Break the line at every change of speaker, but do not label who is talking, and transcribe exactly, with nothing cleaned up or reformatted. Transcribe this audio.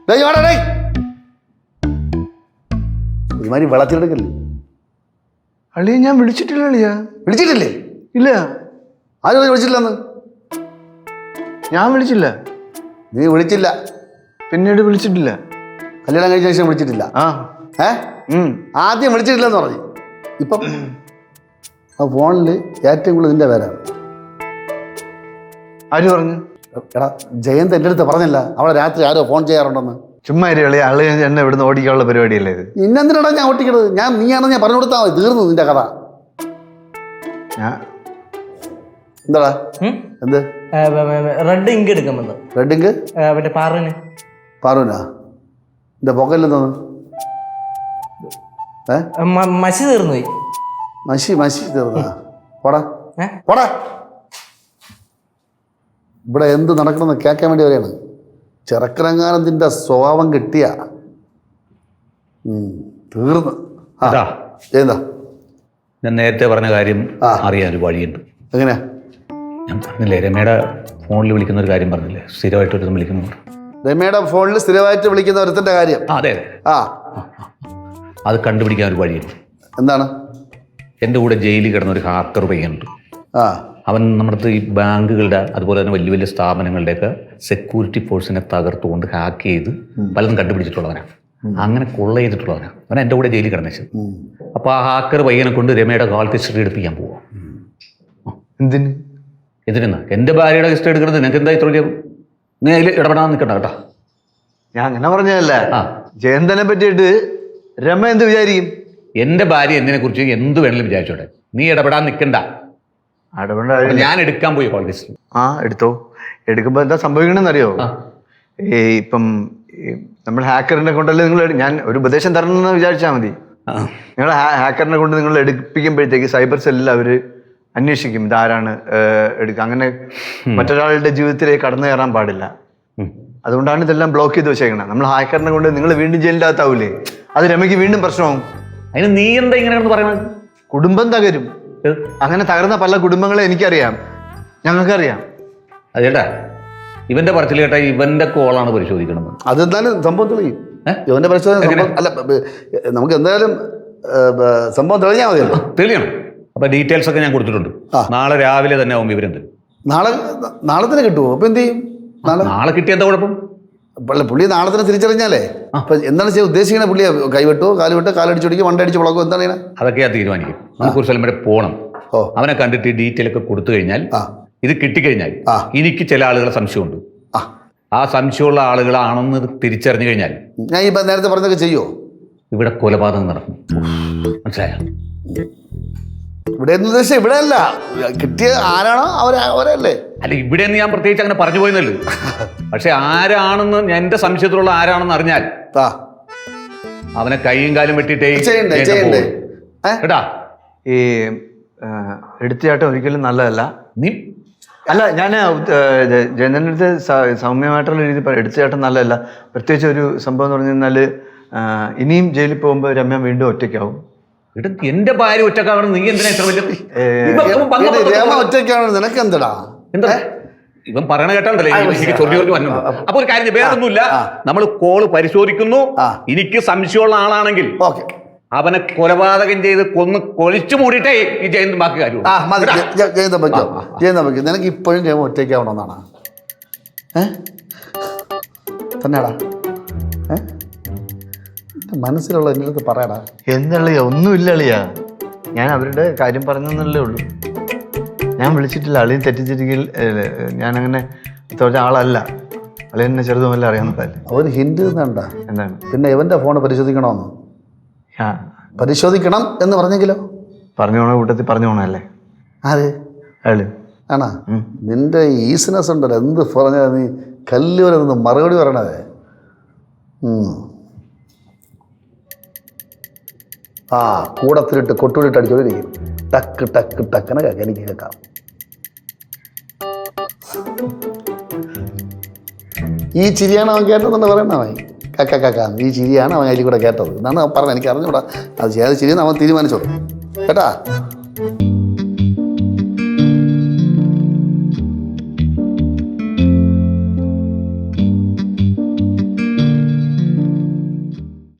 ഒരുമാതിരി വെള്ളത്തിലെടുക്കല്ലേ?
അളിയ ഞാൻ വിളിച്ചിട്ടില്ല. അളിയ
വിളിച്ചിട്ടില്ലേ?
ഇല്ല.
ആരും വിളിച്ചിട്ടില്ലെന്ന്?
ഞാൻ വിളിച്ചില്ല.
നീ വിളിച്ചില്ല.
പിന്നീട് വിളിച്ചിട്ടില്ല.
കല്യാണം കഴിച്ച ശേഷം വിളിച്ചിട്ടില്ല.
ആ
ഏ ആദ്യം വിളിച്ചിട്ടില്ലെന്ന് പറഞ്ഞു. ഇപ്പം ആ ഫോണിൽ ഏറ്റവും കൂടുതൽ നിന്റെ പേരാണ്.
ആര് പറഞ്ഞു?
എടാ ജയന്ത് എൻ്റെ അടുത്ത് പറഞ്ഞില്ല അവളെ രാത്രി ആരോ ഫോൺ ചെയ്യാറുണ്ടെന്ന്.
ചുമ്മാ അളിയ അളി എന്നെ ഇവിടുന്ന് ഓടിക്കാനുള്ള പരിപാടിയല്ലേ ഇത്?
ഇന്നെന്തിനാടാ ഞാൻ ഓട്ടിക്കണത്? ഞാൻ നീയാണെന്ന് ഞാൻ പറഞ്ഞു കൊടുത്താൽ മതി, തീർന്നു നിന്റെ കഥ. എന്താടാ എന്ത്?
റെഡ് ഇങ്ക് എടുക്കാൻ
റെഡ് ഇങ്ക്
മറ്റേ പാറുവിന്.
പാറുവിനാ? എന്റെ പൊക്കലിൽ തോന്നു ഏ
മഷി തീർന്നു പോയി.
മഷി മഷി തീർന്നാ? പോടാ പോടാ. ഇവിടെ എന്ത് നടക്കണമെന്ന് കേൾക്കാൻ വേണ്ടി വരെയാണ്. ചെറുക്കനങ്ങാനത്തിൻ്റെ സ്വഭാവം കിട്ടിയ തീർന്ന്. എന്താ
ഞാൻ നേരത്തെ പറഞ്ഞ കാര്യം അറിയാൻ ഒരു വഴിയുണ്ട്.
എങ്ങനെയാ?
ഞാൻ പറഞ്ഞില്ലേ രമയുടെ ഫോണിൽ വിളിക്കുന്ന ഒരു കാര്യം പറഞ്ഞില്ലേ, സ്ഥിരമായിട്ട് ഒരു വിളിക്കുന്നു.
രമയുടെ ഫോണിൽ സ്ഥിരമായിട്ട് വിളിക്കുന്ന ഒരുത്തൻ്റെ കാര്യം?
അതെ അതെ.
ആ
അത് കണ്ടുപിടിക്കാൻ ഒരു വഴിയുണ്ട്.
എന്താണ്?
എൻ്റെ കൂടെ ജയിലിൽ കിടന്ന ഒരു ഹാക്കർ പയ്യനുണ്ട്.
ആ
അവൻ നമ്മുടെ ഈ ബാങ്കുകളുടെ അതുപോലെ തന്നെ വലിയ വലിയ സ്ഥാപനങ്ങളുടെയൊക്കെ സെക്യൂരിറ്റി ഫോഴ്സിനെ തകർത്തുകൊണ്ട് ഹാക്ക് ചെയ്ത് പലതും കണ്ടുപിടിച്ചിട്ടുള്ളവനാണ്. അങ്ങനെ കൊള്ള ചെയ്തിട്ടുള്ളവനാണ് അവൻ. എൻ്റെ കൂടെ ജയിലിൽ കിടന്നു. അപ്പോൾ ആ ഹാക്കർ പയ്യനെ കൊണ്ട് രമയുടെ കാൾ ഹിസ്റ്ററി എടുപ്പിക്കാൻ പോവാം.
എന്തിന്?
എന്തിനാ എൻ്റെ ഭാര്യയുടെ ഹിസ്റ്ററി എടുക്കുന്നത്? നിനക്ക് എന്താ ഇത്ര വലിയ? നീ അതിൽ ഇടപെടാൻ നിൽക്കണ്ട കേട്ടോ.
ഞാൻ അങ്ങനെ പറഞ്ഞതല്ല. ആ ജയന്തനെ പറ്റിയിട്ട് രമ എന്ത് വിചാരിക്കും?
എൻ്റെ ഭാര്യ എന്തിനെ കുറിച്ച് എന്ത് വേണമെങ്കിലും വിചാരിച്ചോട്ടെ, നീ ഇടപെടാൻ നിൽക്കണ്ട. ഞാൻ എടുക്കാൻ പോയി കോൾ ഹിസ്റ്ററി. ആ
എടുത്തോ. എടുക്കുമ്പോൾ എന്താ സംഭവിക്കണമെന്നറിയോ? ഈ ഇപ്പം നമ്മൾ ഹാക്കറിനെ കൊണ്ടല്ലേ നിങ്ങൾ, ഞാൻ ഒരു ഉപദേശം തരണമെന്ന് വിചാരിച്ചാൽ മതി. നിങ്ങൾ ഹാക്കറിനെ കൊണ്ട് നിങ്ങൾ എടുപ്പിക്കുമ്പോഴത്തേക്ക് സൈബർ സെല്ലിൽ അവർ അന്വേഷിക്കും ഇതാരാണ് എടുക്കുക. അങ്ങനെ മറ്റൊരാളുടെ ജീവിതത്തിലേക്ക് കടന്നു കയറാൻ പാടില്ല. അതുകൊണ്ടാണ് ഇതെല്ലാം ബ്ലോക്ക് ചെയ്ത് വെച്ചേക്കണം. നമ്മൾ ഹാക്കറിനെ കൊണ്ട് നിങ്ങൾ വീണ്ടും ജയിലിൻ്റെ അകത്താവൂലേ, അത് രമയ്ക്ക് വീണ്ടും പ്രശ്നമാവും.
അതിന് നീ എന്താ ഇങ്ങനെ പറയുന്നത്?
കുടുംബം തകരും. അങ്ങനെ തകർന്ന പല കുടുംബങ്ങളെ എനിക്കറിയാം, ഞങ്ങൾക്കറിയാം.
അതേട്ടാ ഇവന്റെ പറച്ചിൽ കേട്ടാ ഇവന്റെ കോളാണ് പരിശോധിക്കണം.
അതെന്തായാലും സംഭവം തെളിയും. ഇവന്റെ പരിശോധന അല്ല, നമുക്ക് എന്തായാലും സംഭവം തെളിഞ്ഞാൽ മതിയല്ലോ.
തെളിയണം. അപ്പൊ ഡീറ്റെയിൽസ് ഒക്കെ ഞാൻ കൊടുത്തിട്ടുണ്ട്. നാളെ രാവിലെ തന്നെ ആവും വിവരം തരും.
നാളെ നാളെ തന്നെ കിട്ടുമോ? അപ്പൊ എന്ത് ചെയ്യും? നാളെ നാളെ
കിട്ടിയ എന്താ കുഴപ്പം?
പുള്ളി നാളെ തന്നെ തിരിച്ചറിഞ്ഞാലേ അപ്പൊ എന്താണ് ചെയ്യാൻ ഉദ്ദേശിക്കണേ? പുള്ളിയെ കൈവിട്ടോ കാലുവിട്ടോ കാലടിച്ചൊടിക്കും വണ്ടടിച്ച് വളക്കോ എന്താണ് ചെയ്യണേ?
അതൊക്കെയാ തീരുമാനിക്കും. നമുക്ക് ഒരു സ്ഥലം വരെ പോകണം. അവനെ കണ്ടിട്ട് ഡീറ്റെയിൽ ഒക്കെ കൊടുത്തു കഴിഞ്ഞാൽ, ഇത് കിട്ടിക്കഴിഞ്ഞാൽ എനിക്ക് ചില ആളുകളെ സംശയമുണ്ട്. ആ സംശയമുള്ള ആളുകളാണെന്ന് തിരിച്ചറിഞ്ഞു കഴിഞ്ഞാൽ
ഞാൻ ഈ നേരത്തെ പറഞ്ഞതൊക്കെ ചെയ്യുമോ?
ഇവിടെ കൊലപാതകം നടക്കും. മനസ്സിലായോ?
ഇവിടെ എന്ന് ഉദ്ദേശിച്ച ഇവിടെ അല്ല, കിട്ടിയ ആരാണോ അവരെ അവരല്ലേ.
അല്ല ഇവിടെ ഞാൻ പ്രത്യേകിച്ച് അങ്ങനെ പറഞ്ഞു പോയെന്നല്ലോ. പക്ഷെ ആരാണെന്ന് എന്റെ സംശയത്തിലുള്ള ആരാണെന്ന് അറിഞ്ഞാൽ അവനെ കൈയും കാലും വെട്ടിട്ടേ കേട്ടാ.
ഈ എടുത്തിയാട്ടം ഒരിക്കലും നല്ലതല്ല.
നീ
അല്ല, ഞാൻ ജയന്തൻ്റെ അടുത്ത് സൗമ്യമായിട്ടുള്ള രീതിയിൽ എടുത്തിയാട്ടം നല്ലതല്ല. പ്രത്യേകിച്ച് ഒരു സംഭവം എന്ന് പറഞ്ഞു കഴിഞ്ഞാൽ ഇനിയും ജയിലിൽ പോകുമ്പോൾ രമ്യ വീണ്ടും ഒറ്റയ്ക്കാവും.
എന്റെ ഭാര്യ ഒറ്റക്കാവണം. നീ എന്തിനാ ഇത്ര വലിയ
ഒറ്റയ്ക്കാവണം? നിനക്ക് എന്താ
എന്താ ഇവൻ പറയണ കേട്ടോണ്ടല്ലേ എനിക്ക് ചൊല്ലി ചൊല്ലി വന്നു. അപ്പൊ ഒരു കാര്യം, വേറൊന്നുമില്ല, നമ്മൾ കോള് പരിശോധിക്കുന്നു. എനിക്ക് സംശയമുള്ള ആളാണെങ്കിൽ അവനെ കൊലപാതകം ചെയ്ത് കൊന്ന് കൊലിച്ചു മൂടിയിട്ടേ ഈ ജയന്ത് ബാക്കി കാര്യം.
ജയന്ത പറ്റോ? ജയന്ത പറ്റോ? നിനക്ക് ഇപ്പോഴും ജയം ഒറ്റയ്ക്കാവണമെന്നാണ് ഏ തന്നെയാടാ? ഏ മനസ്സിലുള്ള എൻ്റെ അടുത്ത് പറയടാ.
എന്തളിയാ? ഒന്നുമില്ല അളിയാ, ഞാൻ അവരുടെ കാര്യം പറഞ്ഞെന്നല്ലേ ഉള്ളൂ. ഞാൻ വിളിച്ചിട്ടില്ല. അളിയും തെറ്റിച്ചിരിക്കൽ ഞാനങ്ങനെ തോറ്റ ആളല്ല. അളിയ എന്നെ ചെറുതുമല്ല അറിയാവുന്നതല്ലേ.
അവന് ഹിന്റ് തന്നണ്ട.
എന്താണ്?
പിന്നെ ഇവന്റെ ഫോൺ പരിശോധിക്കണമെന്ന്. പരിശോധിക്കണം എന്ന് പറഞ്ഞെങ്കിലോ? പറഞ്ഞു പോണ കൂട്ടത്തിൽ പറഞ്ഞു പോണല്ലേ. ആര്? അയാള് ആണാ? നിന്റെ ഈസിനെസ് ഉണ്ടല്ലോ, എന്ത് പറഞ്ഞാൽ നീ കല്ല് വരെ നിന്ന് മറുപടി പറയണതേ. ആ കൂടത്തിലിട്ട് കൊട്ടുവിലിട്ട് അടിച്ചോണ്ടിരിക്കും. ടക്ക് ടക്ക് ടക്കനെ കേൾക്കാം, എനിക്ക് കേൾക്കാം. ഈ ചിരിയാണ് അവൻ കേട്ടതെന്ന് പറയണ അവൻ. കക്ക കക്ക ഈ ചിരിയാണ് അവൻ അതിൽ കൂടെ കേട്ടത് എന്നാണ് പറഞ്ഞത്. എനിക്ക് അറിഞ്ഞൂടാ അത് ചെയ്ത് ചിരിയെന്ന് അവൻ തീരുമാനിച്ചോളൂ കേട്ടാ.